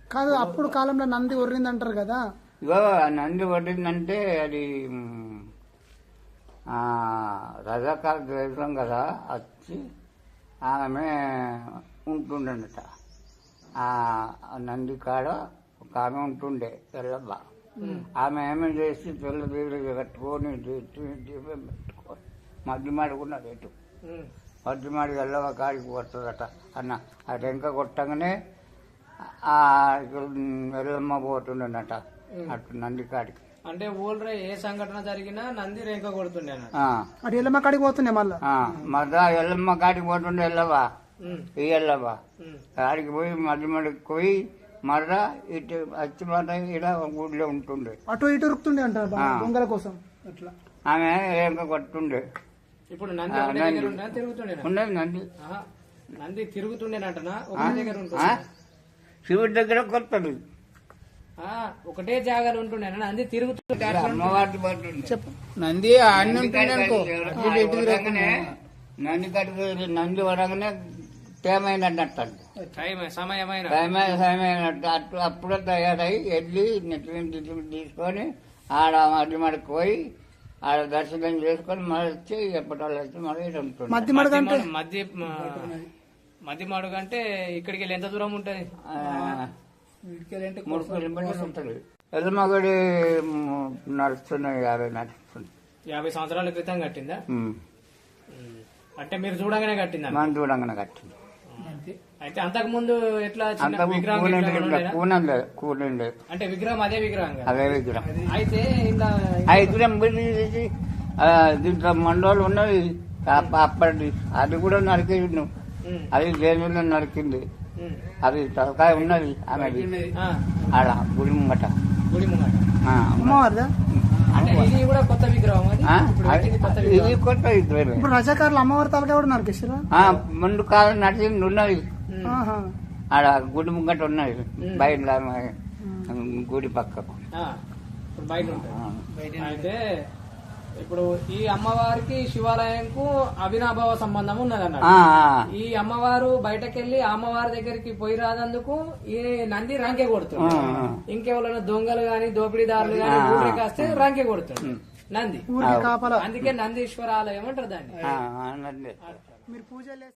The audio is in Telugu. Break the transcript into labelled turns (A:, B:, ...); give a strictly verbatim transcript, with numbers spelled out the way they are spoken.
A: కాదు అప్పుడు కాలంలో నంది ఒర్రింది అంటారు కదా.
B: ఇగో నంది ఒర్రిందంటే అది రజాకాల ద్వేషం కదా వచ్చి ఆమె ఉంటుండట. ఆ నంది కాడ ఒక ఆమె ఉంటుండే తెల్లబ్బ. ఆమె ఏమేమి చేసి తెల్ల బీరుగా కట్టుకొని దీపం పెట్టుకొని మధ్య మాడుకున్నది ఎటు మధ్య మాడి ఎల్లవ కాడికి వస్తుందట అన్న. ఆ టెంక కొట్టగానే ఆ ఎల్లమ్మ పోతుండనట అటు నంది కాడికి.
C: అంటే ఊళ్ళో ఏ సంఘటన జరిగినా నంది రేంక కొడుతుండే
A: అటు ఎల్లమ్మ కాడికి పోతుండే. మళ్ళా
B: మళ్ళా ఎల్లమ్మ కాడికి పోతుండే ఎల్లవా ఈ ఎల్లవా కాడికి పోయి మధ్య మడికి పోయి మళ్ళా ఇటు వచ్చి మళ్ళీ ఇక్కడ ఊళ్ళో ఉంటుండే.
A: అటు ఇటు ఉరుకుతుండే అంటారు దొంగల కోసం. అట్లా
B: ఆమె రేంక కొట్టుండే.
C: ఇప్పుడు నంది తిరుగుతుండే
B: ఉన్నది నంది
C: నంది తిరుగుతుండేనంటనా ఒక దగ్గర ఉంటుంది.
B: శివుడి దగ్గర కొత్తది
C: ఒకటే జాగాలో ఉంటుండే నంది తిరుగుతుండే.
B: అమ్మవారి పట్టుండే
A: చెప్పు.
B: నంది అన్ని ఉంటుండే. నంది కడికి నంది వరగానే టైమైనట్టు
C: సమయమైన
B: సమయమైనట్టు అటు అప్పుడే తయారై వెళ్ళి నెట్టు తీసుకొని ఆడ మధ్య మడికి పోయి ఆడ దర్శనం చేసుకొని మళ్ళీ వచ్చి ఎప్పటి వచ్చి మళ్ళీ ఉంటుంది.
A: మధ్య మడుగు అంటే
C: మధ్య మధ్య మడుగు అంటే ఇక్కడికి వెళ్ళి ఎంత దూరం ఉంటుంది?
B: మూడు కిలోమీటర్స్ ఉంటుంది. ఎల్లమ్మగుడి నడుస్తున్నాయి యాభై నడుస్తుంది.
C: యాభై సంవత్సరాల క్రితం కట్టిందా? అంటే మీరు చూడంగానే కట్టిందా?
B: మనం చూడంగానే కట్టింది.
C: అయితే అంతకు ముందు ఎట్లా విగ్రహం
B: కూలండి
C: అంటే విగ్రహం అదే విగ్రహం
B: అదే విగ్రహం.
C: అయితే ఇలా
B: ఆ విగ్రహం తీసి దీంట్లో మండోళ్ళు ఉన్నది అప్పటి అది కూడా నరికేది. అది జైలు నరికింది. అది తలకాయ ఉన్నది ఆమెది ఆడ గుడి ముంగట.
C: గుడి ముంగట
A: అమ్మవారిదా?
C: అంటే ఇది కూడా కొత్త విగ్రహం.
B: ఇది కొత్త విగ్రహం.
A: ఇప్పుడు రజాకారులు అమ్మవారి తలకాయ కూడా నరికేస్తారా?
B: ముందు కాలం నడిచింది ఉన్నది ఆడ గుడి ముంగట ఉన్నది బయట గుడి పక్కకు
C: బయట ఉంటుంది. అయితే ఇప్పుడు ఈ అమ్మవారికి శివాలయంకు అవినాభావ సంబంధం ఉన్నదన్న. ఈ అమ్మవారు బయటకెళ్లి అమ్మవారి దగ్గరికి పోయి రానందుకు ఈ నంది రంకె కొడుతుంది. ఇంకెవరైనా దొంగలు గాని దోపిడీదారులు గాని ఊరికి వస్తే రంకె కొడుతుంది నంది. అందుకే నందీశ్వర ఆలయం అంటారు దాన్ని.
B: మీరు పూజ